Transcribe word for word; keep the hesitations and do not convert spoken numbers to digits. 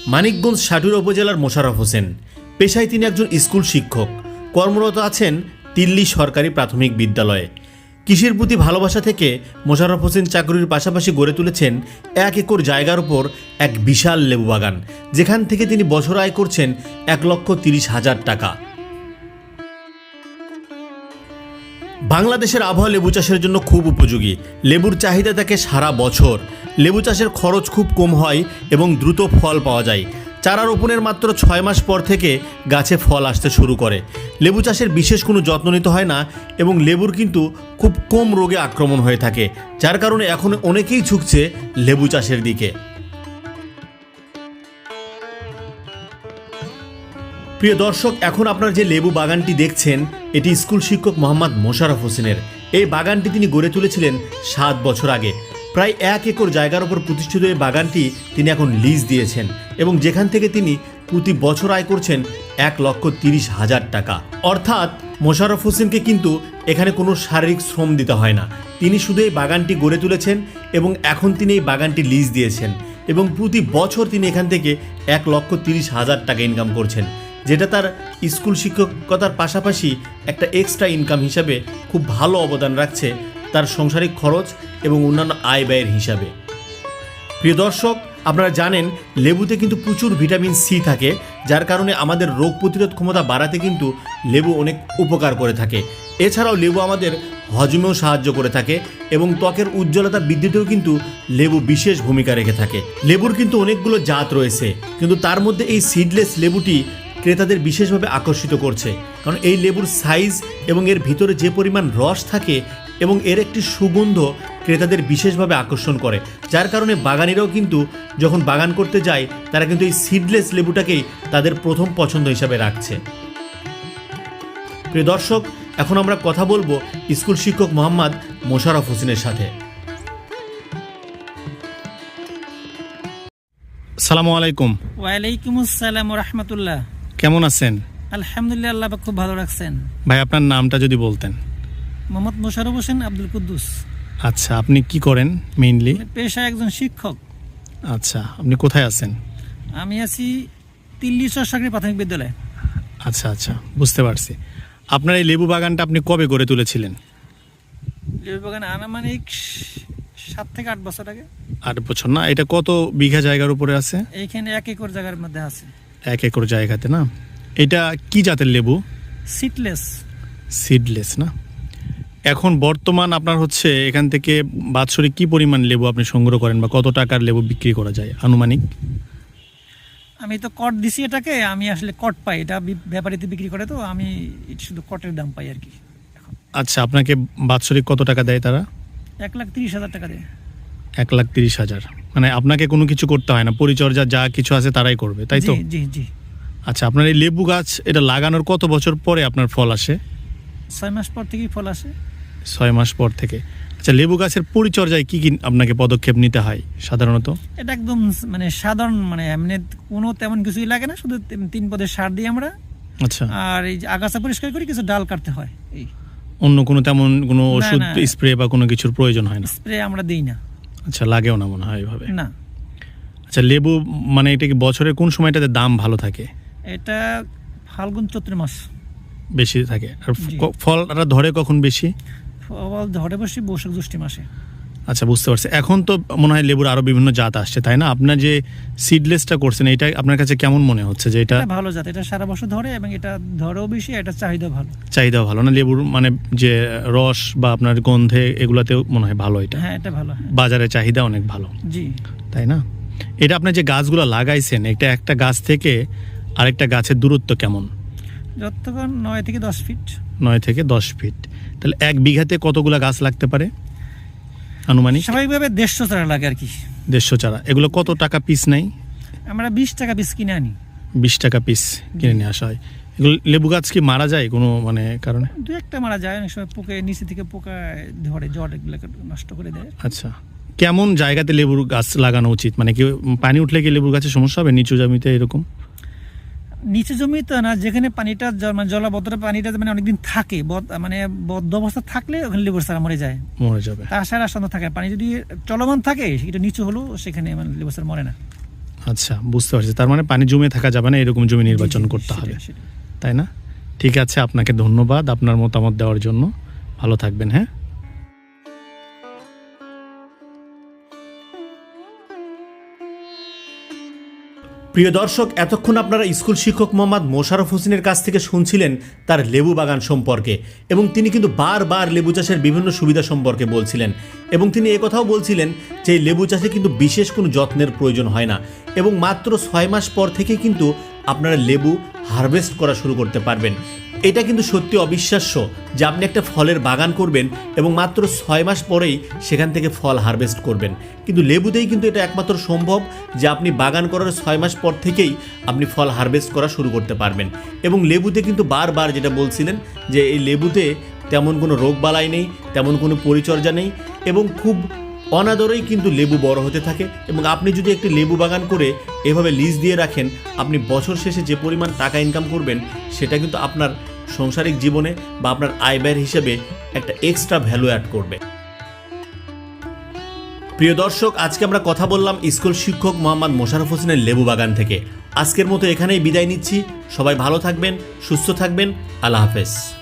মানিকগঞ্জ সাটুরা উপজেলার মোশাররফ হোসেন। পেশায় তিনি একজন স্কুল শিক্ষক, কর্মরত আছেন তিল্লি সরকারি প্রাথমিক বিদ্যালয়ে। কৃষির প্রতি ভালোবাসা থেকে মোশাররফ হোসেন চাকরির পাশাপাশি গড়ে তুলেছেন এক একর জায়গার উপর এক বিশাল লেবু বাগান, যেখান থেকে তিনি বছর আয় করছেন এক লক্ষ তিরিশ হাজার টাকা। বাংলাদেশের আবহাওয়া লেবু চাষের জন্য খুব উপযোগী। লেবুর চাহিদা থাকে সারা বছর। লেবু চাষের খরচ খুব কম হয় এবং দ্রুত ফল পাওয়া যায়। চারা রোপণের মাত্র ছয় মাস পর থেকে গাছে ফল আসতে শুরু করে। লেবু চাষের বিশেষ কোনো যত্ন নিতে হয় না এবং লেবুর কিন্তু খুব কম রোগে আক্রমণ হয়ে থাকে, যার কারণে এখন অনেকেই ঝুঁকছে লেবু চাষের দিকে। প্রিয় দর্শক, এখন আপনার যে লেবু বাগানটি দেখছেন এটি স্কুল শিক্ষক মোহাম্মদ মোশাররফ হোসেনের। এই বাগানটি তিনি গড়ে তুলেছিলেন সাত বছর আগে। প্রায় এক একর জায়গার উপর প্রতিষ্ঠিত এই বাগানটি তিনি এখন লিজ দিয়েছেন এবং যেখান থেকে তিনি প্রতি বছর আয় করছেন এক লক্ষ তিরিশ হাজার টাকা। অর্থাৎ মোশাররফ হোসেনকে কিন্তু এখানে কোনো শারীরিক শ্রম দিতে হয় না। তিনি শুধু এই বাগানটি গড়ে তুলেছেন এবং এখন তিনি এই বাগানটি লিজ দিয়েছেন এবং প্রতি বছর তিনি এখান থেকে এক লক্ষ তিরিশ হাজার টাকা ইনকাম করছেন, যেটা তার স্কুল শিক্ষকতার পাশাপাশি একটা এক্সট্রা ইনকাম হিসাবে খুব ভালো অবদান রাখছে তার সাংসারিক খরচ এবং অন্যান্য আয় ব্যয়ের হিসাবে। প্রিয় দর্শক, আপনারা জানেন লেবুতে কিন্তু প্রচুর ভিটামিন সি থাকে, যার কারণে আমাদের রোগ প্রতিরোধ ক্ষমতা বাড়াতে কিন্তু লেবু অনেক উপকার করে থাকে। এছাড়াও লেবু আমাদের হজমেও সাহায্য করে থাকে এবং ত্বকের উজ্জ্বলতা বৃদ্ধিতেও কিন্তু লেবু বিশেষ ভূমিকা রেখে থাকে। লেবুর কিন্তু অনেকগুলো জাত রয়েছে, কিন্তু তার মধ্যে এই সিডলেস লেবুটি ক্রেতাদের বিশেষভাবে আকর্ষিত করছে, কারণ এই লেবুর সাইজ এবং এর ভিতরে যে পরিমাণ রস থাকে এবং এর একটি সুগন্ধ ক্রেতাদের বিশেষভাবে আকর্ষণ করে, যার কারণে বাগানিরাও কিন্তু যখন বাগান করতে যায় তারা কিন্তু এই সিডলেস লেবুটাকেই তাদের প্রথম পছন্দ হিসাবে রাখছে। প্রিয় দর্শক, এখন আমরা কথা বলবো স্কুল শিক্ষক মোহাম্মদ মোশাররফ হোসেনের সাথে। আসসালামু আলাইকুম। ওয়ালাইকুম আসসালাম ওয়া রাহমাতুল্লাহ। কেমন আছেন? আলহামদুলিল্লাহ, আল্লাহ পাক খুব ভালো রাখছেন। ভাই, আপনার নামটা যদি বলতেন। মোহাম্মদ মোশাররফ হোসেন আব্দুল কুদ্দুস। আচ্ছা, আপনি কি করেন মেইনলি? পেশায় একজন শিক্ষক। আচ্ছা, আপনি কোথায় আছেন? আমি আছি তিল্লি সরকারি প্রাথমিক বিদ্যালয়ে। আচ্ছা আচ্ছা, বুঝতে পারছি। আপনার এই লেবু বাগানটা আপনি কবে গড়ে তুলেছিলেন? লেবু বাগান আনুমানিক সাত থেকে আট বছর আগে। আট বছর না? এটা কত বিঘা জায়গার উপরে আছে? এইখানে এক একর জায়গার মধ্যে আছে। এক একর জায়গাতে না? এটা কি জাতের লেবু? সিডলেস। সিডলেস না? এখন বর্তমান আপনার হচ্ছে এখান থেকে বাৎসরিক কি পরিমাণ লেবু আপনি সংগ্রহ করেন বা কত টাকার লেবু বিক্রি করা যায় আনুমানিক? আমি তো কট দিছি এটাকে, আমি আসলে কট পাই, এটা ব্যাপারীতে বিক্রি করে, তো আমি শুধু কটের দাম পাই আর কি। আচ্ছা, আপনাকে বাৎসরিক কত টাকা দেয় তারা? এক লাখ তিরিশ হাজার টাকা দেয়। এক লাখ তিরিশ হাজার মানে আপনাকে কোনো কিছু করতে হয় না, পরিচর্যা যা কিছু আছে তারাই করবে, তাই তো? জি জি। আচ্ছা, আপনার এই লেবু গাছ এটা লাগানোর কত বছর পরে আপনার ফল আসে? ছয় মাস পর থেকেই ফল আসে। ছয় মাস পর থেকে। আচ্ছা, লেবু গাছের পরিচর্যায় কি কি আপনাকে পদক্ষেপ নিতে হয় সাধারণত? এটা একদম মানে সাধারণ, মানে এমনি কোনো তেমন কিছুই লাগে না, শুধু তিন পদের সার দিই আমরা। আচ্ছা। আর এই যে আগাছা পরিষ্কার করি, কিছু ডাল কাটতে হয়, এই। অন্য কোনো তেমন কোনো ওষুধ স্প্রে বা কোনো কিছুর প্রয়োজন হয় না? স্প্রে আমরা দিই না। আচ্ছা, লাগেও না মনে হয় এইভাবে? না। আচ্ছা, লেবু মানে এটা কি বছরের কোন সময়টাতে দাম ভালো থাকে? এটা ফাল্গুন চৈত্র মাস বেশি থাকে। আর ফলটা ধরে কখন বেশি? ফল ধরে বসে বৈশাখ জ্যৈষ্ঠ মাসে। আচ্ছা, বুঝতে পারছি। এখন তো মনে হয় লেবুর আরো বিভিন্ন জাত আসছে, তাই না? আপনার যে সিডলেসটা করছেন এটা আপনার কাছে কেমন মনে হচ্ছে? যে এটা ভালো জাত, এটা সারা বছর ধরে এবং এটা ধরেও বেশি, এটা চাহিদা ভালো। চাহিদা ভালো না লেবুর, মানে যে রস বা আপনার গন্ধে এগুলাতেও মনে হয় ভালো এটা? হ্যাঁ, এটা ভালো। বাজারে চাহিদা অনেক ভালো। জি। তাই না? এটা আপনার যে গাছগুলো লাগাইছেন, এটা একটা গাছ থেকে আরেকটা গাছের দূরত্ব কেমন? যতক্ষণ নয় থেকে দশ ফিট। নয় থেকে দশ ফিট। তাহলে এক বিঘাতে কতগুলা গাছ লাগতে পারে আনুমানিক? স্বাভাবিকভাবে দেড়শো চারা লাগে আর কি। দেড়শো চারা। এগুলো কত টাকা পিস নেই? আমরা বিশ টাকা পিস কিনে আনি। বিশ টাকা পিস কিনে নিয়ে আসা হয়। এগুলো লেবু গাছ কি মারা যায় কোনো মানে কারণে? দু একটা মারা যায়, অনেক সময় পোকে নিচে থেকে পোকা ধরে, জ্বর এগুলোকে নষ্ট করে দেয়। আচ্ছা, কেমন জায়গাতে লেবুর গাছ লাগানো উচিত? মানে কি পানি উঠলে কি লেবুর গাছের সমস্যা হবে নিচু জমিতে এরকম? নিচে জমি তো না, যেখানে পানিটা মানে জলাবদ্ধ পানিটা মানে অনেকদিন থাকে, মানে বদ্ধ অবস্থা থাকলে ওখানে লেবুর চারা মরে যায়। মরে যাবে। তাছাড়া সন্ধ্যা থাকে, পানি যদি চলমান থাকে এটা নিচু হলো সেখানে মানে লেবুর চারা মরে না। আচ্ছা, বুঝতে পারছি। তার মানে পানি জমে থাকা যাবে না, এরকম জমি নির্বাচন করতে হবে, তাই না? ঠিক আছে, আপনাকে ধন্যবাদ আপনার মতামত দেওয়ার জন্য। ভালো থাকবেন। হ্যাঁ, প্রিয় দর্শক, এতক্ষণ আপনারা স্কুল শিক্ষক মোহাম্মদ মোশাররফ হোসেনের কাছ থেকে শুনছিলেন তার লেবু বাগান সম্পর্কে, এবং তিনি কিন্তু বারবার লেবু চাষের বিভিন্ন সুবিধা সম্পর্কে বলছিলেন, এবং তিনি একথাও বলছিলেন যে এই লেবু চাষে কিন্তু বিশেষ কোনো যত্নের প্রয়োজন হয় না, এবং মাত্র ছয় মাস পর থেকে কিন্তু আপনারা লেবু হারভেস্ট করা শুরু করতে পারবেন। এটা কিন্তু সত্যি অবিশ্বাস্য যে আপনি একটা ফলের বাগান করবেন এবং মাত্র ছয় মাস পরেই সেখান থেকে ফল হারভেস্ট করবেন, কিন্তু লেবুতেই কিন্তু এটা একমাত্র সম্ভব যে আপনি বাগান করার ছয় মাস পর থেকেই আপনি ফল হারভেস্ট করা শুরু করতে পারবেন। এবং লেবুতে কিন্তু বারবার যেটা বলছিলেন যে এই লেবুতে তেমন কোনো রোগবালাই নেই, তেমন কোনো পরিচর্যা নেই, এবং খুব অনাদরেই কিন্তু লেবু বড় হতে থাকে। এবং আপনি যদি একটি লেবু বাগান করে এভাবে লিজ দিয়ে রাখেন, আপনি বছর শেষে যে পরিমাণ টাকা ইনকাম করবেন সেটা কিন্তু আপনার সাংসারিক জীবনে বা আপনার আয় ব্যয়ের হিসেবে একটা এক্সট্রা ভ্যালু অ্যাড করবে। প্রিয় দর্শক, আজকে আমরা কথা বললাম স্কুল শিক্ষক মোহাম্মদ মোশাররফ হোসেনের লেবু বাগান থেকে। আজকের মতো এখানেই বিদায় নিচ্ছি। সবাই ভালো থাকবেন, সুস্থ থাকবেন। আল্লাহ হাফেজ।